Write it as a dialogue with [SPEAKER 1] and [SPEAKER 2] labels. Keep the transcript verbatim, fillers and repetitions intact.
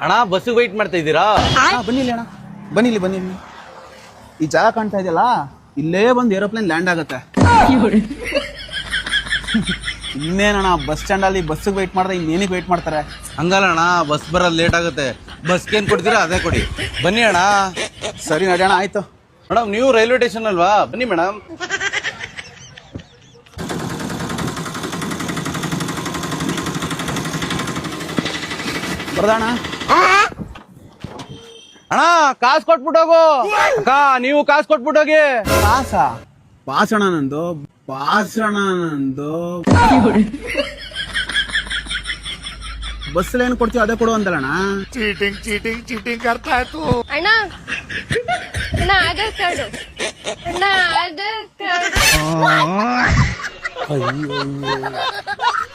[SPEAKER 1] ಅಣ್ಣ bus white ಮಾಡ್ತಾ ಇದ್ದೀರಾ?
[SPEAKER 2] ಬನ್ನಿ ಇಲ್ಲಿ ಅಣ್ಣ, ಬನ್ನಿ ಇಲ್ಲಿ ಬನ್ನಿ ಇಲ್ಲಿ. ಈ ಜಾಗ ಕಾಣ್ತಾ ಇದೆಯಲ್ಲ, ಇಲ್ಲೇ ಬಂದು ಏರೋಪ್ಲೇನ್ ಲ್ಯಾಂಡ್ ಆಗತ್ತೆ. ಇನ್ನೇನಣ್ಣ ಬಸ್ ಸ್ಟ್ಯಾಂಡ್ ಅಲ್ಲಿ ಬಸ್ ವೈಟ್ ಮಾಡ್ದೆ, ಇನ್ನೇನಿಗೆ ವೈಟ್ ಮಾಡ್ತಾರೆ?
[SPEAKER 1] ಹಂಗಲ್ಲ ಅಣ್ಣ, ಬಸ್ ಬರೋದು ಲೇಟ್ ಆಗುತ್ತೆ. ಬಸ್ಗೆ ಏನ್ ಕೊಡ್ತೀರಾ ಅದೇ ಕೊಡಿ. ಬನ್ನಿ ಅಣ್ಣ.
[SPEAKER 2] ಸರಿ ನಡೆಯೋಣ, ಆಯ್ತು.
[SPEAKER 1] ಮೇಡಮ್ ನೀವು ರೈಲ್ವೆ ಸ್ಟೇಷನ್ ಅಲ್ವಾ? ಬನ್ನಿ ಮೇಡಮ್.
[SPEAKER 2] ಬರ್ದಣ್ಣ.
[SPEAKER 1] ಅಣ್ಣ ಕಾಸು ಕೊಟ್ಬಿಟ್ಟು ಹೋಗು. ಅಕ್ಕ ನೀವು ಕಾಸು ಕೊಟ್ಬಿಟ್ಟು ಹೋಗಿ.
[SPEAKER 2] ಪಾಸ ಪಾಸಣ ನಂದು, ಪಾಸಣ ನಂದು. ಬಸ್ ಏನ್ ಕೊಡ್ತೀವಿ ಅದೇ ಕೊಡು ಅಂದಲ್ಲಣ್ಣ.
[SPEAKER 3] चीटिंग चीटिंग चीटिंग करता है तू.
[SPEAKER 4] ಅಣ್ಣ ಅಣ್ಣ ಆಧಾರ್ ಕಾರ್ಡ್ ಅಣ್ಣ ಆಧಾರ್ ಕಾರ್ಡ್.